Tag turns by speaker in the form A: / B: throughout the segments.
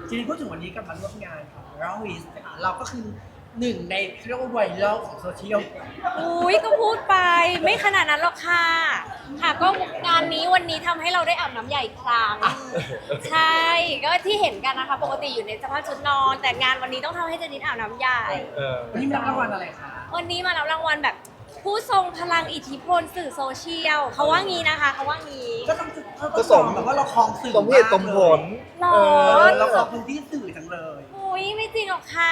A: ทีนี้พูดถึงวันนี้กับมาร่วมงานของเราวิสเราก็คือหนึ่งในเรียกว่าไวรัลของโซเชียล
B: อุ้ยก็พูดไปไม่ขนาดนั้นหรอกค่ะค่ะก็งานนี้วันนี้ทำให้เราได้อาบน้ำใหญ่อีกครั้งใช่ก็ที่เห็นกันนะคะปกติอยู่ในสภาพชุดนอน แต่งานวันนี้ต้องทำให้เจนิดอาบน้ำใหญ่
A: วันนี้มีรางวัลอะไรคะ
B: วันนี้มารับรางวัลแบบผู้ทรงพลังอิทธิพลสื่อโซเชียลเขาว่างี้นะคะเขาว่างี้
A: ก็ต้องก็สมแบบว่าเราคลองสื่อ
C: สมเหตุสมผล
B: หรอ
A: เราคลองพื้นที่สื่อจังเลย
B: อุ้ยไม่จริงหรอกค่ะ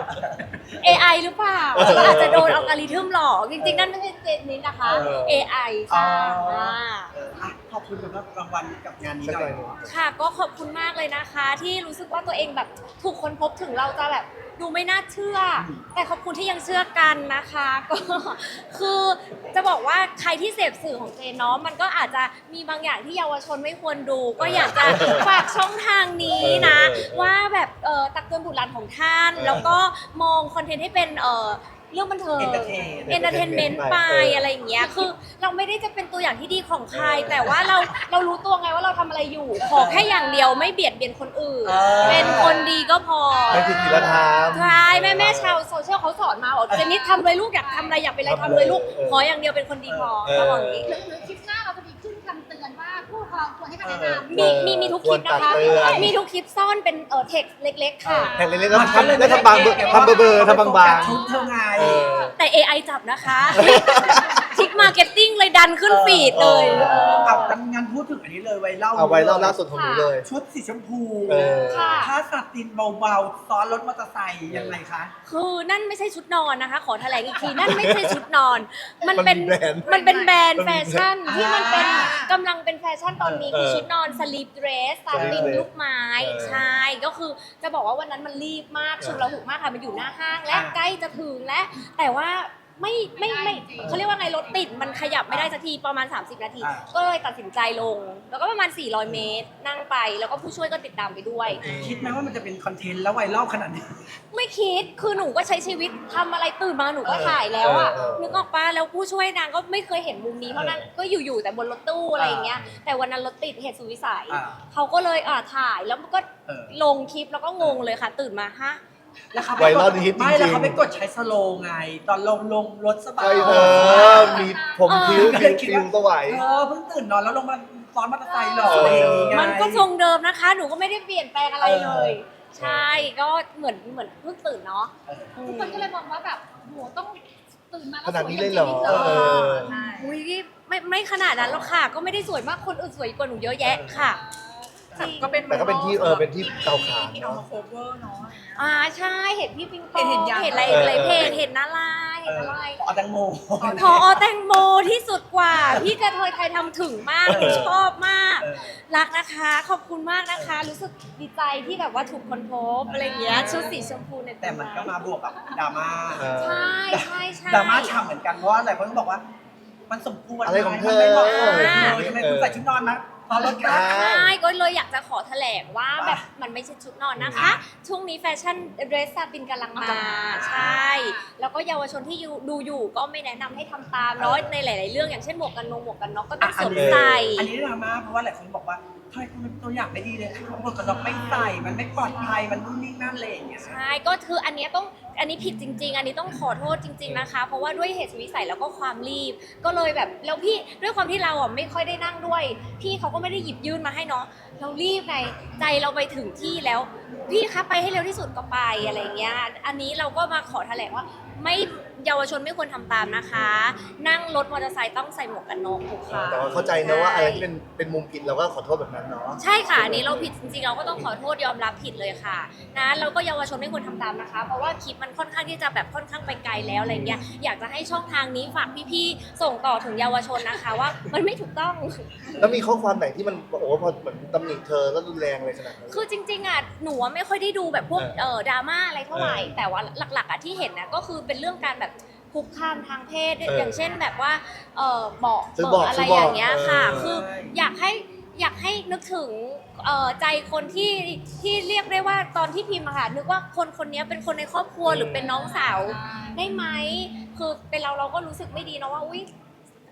B: AI หรือเปล่าอาจจะโดนอัลกอริทึมหลอกจริงๆนั่นไม่ใช่เจนิดนะคะ AI ค่ะ
A: ขอบคุณสำหรับรางวัลกับงานนี้หน่อย
B: ค่ะก็ขอบคุณมากเลยนะคะ ที่รู้สึกว่าตัวเองแบบถูกค้นพบถึงเราจะแบบดูไม่น่าเชื่อ แต่ขอบคุณที่ยังเชื่อกันนะคะ ก็คือจะบอกว่าใครที่เสพสื่อของเจนเนาะมันก็อาจจะมีบางอย่างที่เยาวชนไม่ควรดู ก็อยากจะฝากช่องทางนี้นะ ว่าแบบตักเตือนบุตรหลานของท่าน แล้วก็มองคอนเทนต์ให้เป็นเรื่องบันเทิง entertainment ไปอะไรอย่างเงี้ยคือเราไม่ได้จะเป็นตัวอย่างที่ดีของใคร แต่ว่าเรารู้ตัวไงว่าเราทำอะไรอยู่ ขอแค่อย่างเดียวไม่เบียดเบียนคนอื่น เป็นคนดีก็พอ
C: ไม่ผิดศีลธรรม
B: ใช่แม่ชาวโซเชียลเขาสอนมาบอกเจนนี่ทำเลยลูกอยากทำอะไรอยากเป็นอะไรทำเลยลูกขออย่างเดียวเป็นคนดีพอเขาบอกอย่างนี้
D: หรือคลิปหน้าเราจะมีขึ้นคำเตือนว่าผู้ปกครองควรให้คำแนะนำ
B: มีทุกคลิปนะคะ
C: ควรตักเตือน
B: มีทุกคลิปซ่อนเป็นเทคเล็กๆค่ะ
C: แข่งเล็กๆแล้วทำบางทำเบอร์ทำบาง
A: ชุดเธอไง
B: แต่ AI จับนะคะคลิกมาร์เก็ตติ้งเลยดันขึ้นฟีดเลย
A: เอาทำงานพูดถึงอันนี้เลยไวรัล
C: เอาไว้รอบล่าสุดของหนูเลย
A: ชุดสีชมพู
B: ค่ะ
A: ผ้าสตินเบาๆซ้อนรถมอเตอร์ไซค์ยังไงคะ
B: คือนั่นไม่ใช่ชุดนอนนะคะ ขอแถลงอีกทีนั่นไม่ใช่ชุดนอน มันเป็น
C: มันเป็นแบรนด์
B: แฟชั่น
A: อ่า
B: ที่มันเป็นกำลังเป็นแฟชั่นตอนนี้คือชุดนอนสลีปเดรสซาตินลูกไม้ใช่ก็คือจะบอกว่าวันนั้นมันรีบมากชุดระหุกมากค่ะมันอยู่หน้าห้างและใกล้จะถึงและแต่ว่าไม่เขาเรียกว่าไงรถติดมันขยับไม่ได้สักทีประมาณ30 นาที ก็เลยตัดสินใจลง แล้วก็ประมาณ400 เมตรนั่งไปแล้วก็ผู้ช่วยก็ติดตามไปด้วย
A: คิดไหมว่ามันจะเป็นคอนเทนต์แล้วไวรัลขนาดนี้
B: ไม่คิด คือหนูก็ใช้ชีวิตทำอะไรตื่นมาหนูก็ถ่ายแล้วอ่ะ นึกออกปะแล้วผู้ช่วยนางก็ไม่เคยเห็นมุมนี้เพราะนั้นก็อยู่แต่บนรถตู้อะไรอย่างเงี้ย แต่วันนั้นรถติดเหตุสุดวิสัย เขาก็เลยถ่ายแล้วก็ลงคลิปแล้วก็งงเลยค่ะ ตื่นมาฮะ
A: แล้วเขา
C: ไวรัลฮิตจริงๆ
A: ไม่แล้วเขาไปกดใช้สโลว์ไง ตอนลงรถส
C: ๆ
A: บา
C: ใช่
A: ย
C: เธอมีผมคิ้วคิ้วสวย
A: เพิ่งตื่นนอนแล้วลงมาซ้อนมอเตอร์ไซค์หรออะไรอย่างงี้ไง
B: มันก็ทรงเดิมนะคะ หนูก็ไม่ได้เปลี่ยนแปลงอะไรเลย ใช่ ก็เหมือนเพิ่งตื่นเนาะ
D: ทุกคนก็เลยมองว่าแบบโหต้องตื่นมาแล้ว
C: ขนาดนี้เลยเหรอ
D: สวยอย่างนี้
C: เออ
D: ใช่
B: อุ้ยไม่ขนาดนั้นหรอกค่ะ ก็ไม่ได้สวยมากคนอื่นสวยกว่าหนูเยอะแยะค่ะจริง
E: ก็เป็น
C: แต่ก็เป็นที่เป็นที่เตาถ่าน
E: ที่เอา
C: เนาะ
E: มาโคเวอร์เนาะ
B: ใช่เห็นพี่ปิงปอง
E: เห็นยัง
B: เห็นอะไรเพจเห็นอะไรเห็นอะไร
A: เอาแตงโม
B: พอแตงโมที่สุดกว่า พี่กระเทยไทยทำถึงมากชอบมาก รักนะคะ ขอบคุณมากนะคะ รู้สึกดีใจที่แบบว่าถูกค้นพบอะไรอย่างเงี้ยชุดสีชมพูใน
A: แต่มันก็มาบวกกับดราม่า
B: ใช่ใช่
A: ดราม่าฉ่ำเหมือนกันเพราะว่าหลายคนก็บอกว่า มันสมควร
C: อะไรของเธอ
A: มันไม่เหมาะสมเลยทำไมคุณใส่ชุดนอนนะตอนรถครับ
B: ใช่ก็เลยอยากจะขอแถลงว่าแบบมันไม่ใช่ชุดนอนนะคะ ช่วงนี้แฟชั่นเดรสซาตินกำลังมาใช่ แล้วก็เยาวชนที่ดูอยู่ก็ไม่แนะนำให้ทำตามเนาะในหลาย ๆ เรื่องอย่างเช่นหมวกกันน็อกก็ต้องสวมใส่
A: อันนี้ดราม่าเพราะว่าหลายคนบอกว่าทำไมคุณเป็นตัวอย่างไม่ดีเลยเขาบอกกับเราไม่ใส่มันไม่ปลอดภัยมันนู่นนี่นั่นเลยอย่างเงี้ย
B: ใช่ก็คืออันนี้ผิดจริง ๆ อันนี้ต้องขอโทษจริง ๆนะคะ เพราะว่าด้วยเหตุสุดวิสัยแล้วก็ความรีบ ก็เลยแบบแล้วพี่ด้วยความที่เราอ่ะไม่ค่อยได้นั่งด้วย พี่เขาก็ไม่ได้หยิบยื่นมาให้เนาะเรารีบไงใจเราไปถึงที่แล้ว พี่คะไปให้เร็วที่สุดก็ไปอะไรเงี้ยอันนี้เราก็มาขอแถลงว่าไม่เยาวชนไม่ควรทำตามนะคะ นั่งรถมอเตอร์ไซค์ต้องใส่หมวกกันน็อกทุกครั้ง
C: แต่ว่าเข้าใจนะว่าอะไรที่เป็นมุมผิดเราก็ขอโทษแบบนั้นเนาะ
B: ใช่ค่ะอันนี้เราผิดจริงๆเราก็ต้องขอโทษยอมรับผิดเลยค่ะนะแล้วก็เยาวชนไม่ควรทำตามนะคะ เพราะว่าคลิปมันค่อนข้างที่จะแบบค่อนข้างไปไกลแล้วอะไรเงี้ยอยากจะให้ช่องทางนี้ฝากพี่ๆส่งต่อถึงเยาวชนนะคะว่ามันไม่ถูกต้อง
C: แล้วมีข้อความไหนที่มันโอ้โหพอเหมือนตำหนิเธอแล้วรุนแรงเลยขนาดนั้น
B: คือจริงๆอ่ะหนูไม่ค่อยได้ดูแบบพวกดราม่าอะไรเท่าไหร่แต่ว่าหลักๆอ่ะที่เห็นนะก็คือเป็นเรื่องการแบบคุกคามทางเพศอย่างเช่นแบบว่าเบาะอะไรอย่างเงี้ยค่ะคืออยากให้นึกถึงใจคนที่เรียกได้ว่าตอนที่พิมพ์อะค่ะนึกว่าคนนี้เป็นคนในครอบครัวหรือเป็นน้องสาวได้ไหมคือเป็นเราก็รู้สึกไม่ดีนะว่าอุ้ย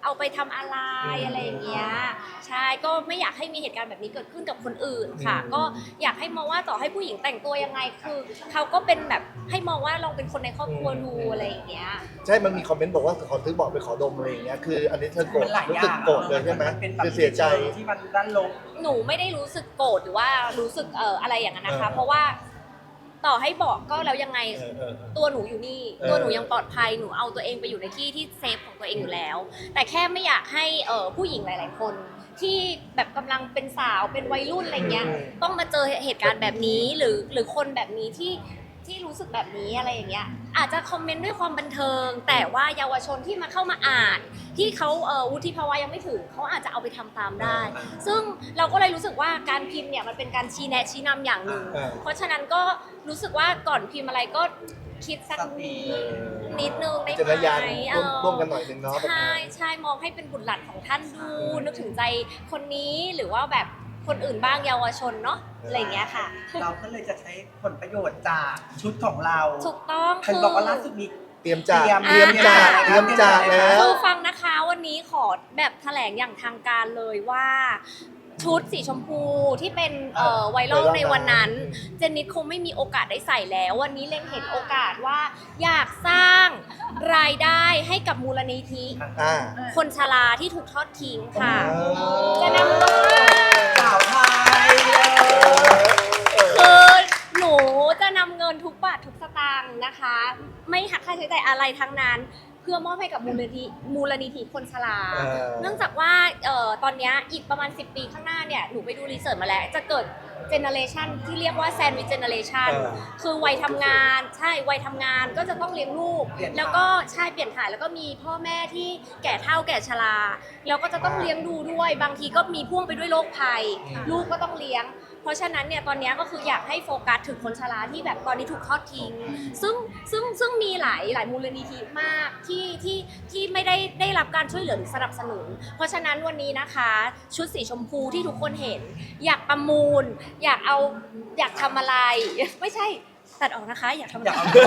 B: เอาไปทำอะไรอะไรอย่างเงี้ยใช่ก็ไม่อยากให้มีเหตุการณ์แบบนี้เกิดขึ้นกับคนอื่นค่ะ ก็อยากให้มองว่าต่อให้ผู้หญิงแต่งตัวยังไงคือเขาก็เป็นแบบให้มองว่าเราเป็นคนในครอบครัวดูอะไรอย่างเงี้ย
C: ใช่มันมีคอมเมนต์บอกว่าขอซื้อบอกไปขอดมอะไรอย่างเงี้ยคืออันนี้เธอโกรธ
A: มันหลาย
C: รู้
A: อ
C: สึ
A: ย่าก ง
C: โกรธเลยใช่ไหม
A: นเป็นแบบ
C: คือเสียใจ
A: ที่มันด้านลบ
B: หนูไม่ได้รู้สึกโกรธหรือว่ารู้สึกอะไรอย่างนั้นนะคะ
C: เออ
B: เพราะว่าต่อให้บอกก็แล้วยังไง
C: เออ
B: ตัวหนูอยู่นี่
C: เออ
B: ตัวหนูยังปลอดภัยหนูเอาตัวเองไปอยู่ในที่ที่เซฟของตัวเองอยู่แล้ว แต่แค่ไม่อยากให้ผู้หญิงหลาย ๆ คน ที่แบบกำลังเป็นสาวเป็นวัยรุ่นอะไรเงี้ยต้องมาเจอเหตุการณ์แบบนี้หรือคนแบบนี้ที่รู้สึกแบบนี้อะไรอย่างเงี้ยอาจจะคอมเมนต์ด้วยความบันเทิง แต่ว่าเยาวชนที่มาเข้ามาอ่าน ที่เขาวุฒิภาวะยังไม่ถึงเขาอาจจะเอาไปทำตามได้ ซึ่งเราก็เลยรู้สึกว่าการพิมพ์เนี่ยมันเป็นการชี้แนะชี้นำอย่างหนึ่ง เพราะฉะนั้นก็รู้สึกว่าก่อนพิมพ์อะไรก็คิดสักนิดนึงได้
C: จิตวิญญาณ
B: ไหม
C: ร่วมกันหน่อยนึงเนาะ
B: ใช่ใช่มองให้เป็นบุตรหลานของท่านดูนึกถึงใจคนนี้หรือว่าแบบคนอื่นบ้างเยาวชนเนาะอะไรอย่างเงี้ยค่ะ
A: เราก็เลยจะใช้ผลประโยชน์จากชุดของเรา
B: ถูกต้อง
A: ใครบอกว่าล่าสุดมี
C: เตรียมจาก
A: เตรียม
C: จากแล้ว
B: คือฟังนะคะวันนี้ขอแบบแถลงอย่างทางการเลยว่าชุดสีชมพูที่เป็นไวรัลในวันนั้นเจนนิดคงไม่มีโอกาสได้ใส่แล้ว วันนี้เล็งเห็นโอกาสว่าอยากสร้างรายได้ให้กับมูลนิธิ
C: อ่า
B: คนชราที่ถูกทอดทิ้งค่ะ จะน
A: สาวไทยเลย
B: คือหนูจะนำเงินทุกบาททุกสตางค์นะคะ ไม่หักค่าใช้จ่ายอะไรทั้งนั้น เพื่อมอบให้กับมูลนิธิคนชรา เนื่องจากว่าตอนเนี้ยอีกประมาณ10 ปีข้างหน้าเนี่ยหนูไปดูรีเสิร์ชมาแล้ว จะเกิดเจเนอเรชันที่เรียกว่าแซนด์วิชเจเนอเรชันคือวัยทำงานใช่วัยทำงานก็จะต้องเลี้ยงลูก แล้วก็ใช่เปลี่ยนถ่ายแล้วก็มีพ่อแม่ที่แก่เฒ่าแก่ชราแล้วก็จะต้องเลี้ยงดูด้วยบางทีก็มีพ่วงไปด้วยโรคภัย ลูกก็ต้องเลี้ยง เพราะฉะนั้นเนี่ยตอนนี้ก็คืออยากให้โฟกัสถึงคนชราที่แบบตอนนี้ถูกทอดทิ้ง ซึ่งมีหลายมูลนิธิมากที่ไม่ได้รับการช่วยเหลือหรือสนับสนุน เพราะฉะนั้นวันนี้นะคะชุดสีชมพูที่ทุกคนเห็น อยากประมูล อยากทำอะไร ไม่ใช่ตัดออกนะคะ อยากทำอะไร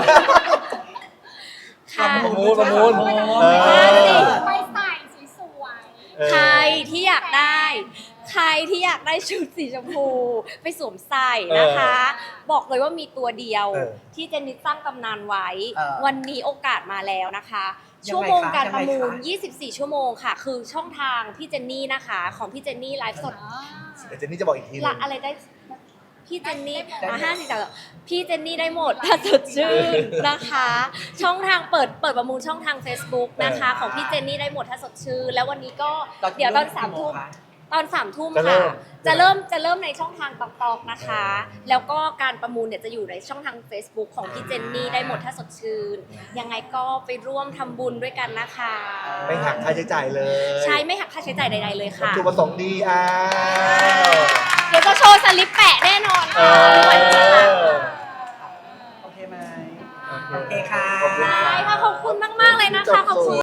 B: ค่ะ
C: ประมูล
D: ไปใส่สวย
B: ใครที่อยากได้ชุดสีชมพูไปสวมใส่นะคะ บอกเลยว่ามีตัวเดียวที่เจนนี่ตั้งตำนานไว้ วันนี้โอกาสมาแล้วนะคะ ชั่วโมงการประมูล 24 ชั่วโมงค่ะ คือช่องทางพี่เจนนี่นะคะ ของพี่เจนนี่ไลฟ์สด
C: เดี๋ยวเจนนี่จะบอกอีกทีนึ
B: ละ
C: ง
B: อะไรได้พี่เจนนี่50แต่พี่เจนนี่ได้หมดถ้าสดชื่นนะคะ ช่องทางเปิดประมูลช่องทาง Facebook นะคะ ของพี่เจนนี่ได้หมดถ้าสดชื่นแล้ววันนี้ก็เดี๋ยวตอน3 ทุ่ม ตอน3 ทุ่มค่ะจะเริ่มในช่องทางตอกๆนะคะ แล้วก็การประมูลเนี่ยจะอยู่ในช่องทาง Facebook ของพี่เจนนี่ได้หมดถ้าสดชื่นยังไงก็ไปร่วมทำบุญด้วยกันนะคะ
C: ไม่หักค่าใช้จ่ายเลย
B: ใช่ไม่หักค่าใช้จ่ายใดๆเลยค่ะ
C: จุดประสงค์ดีอ้าว
B: เดี๋ยวจะโชว์สลิปแปะแน่นอนค่ะ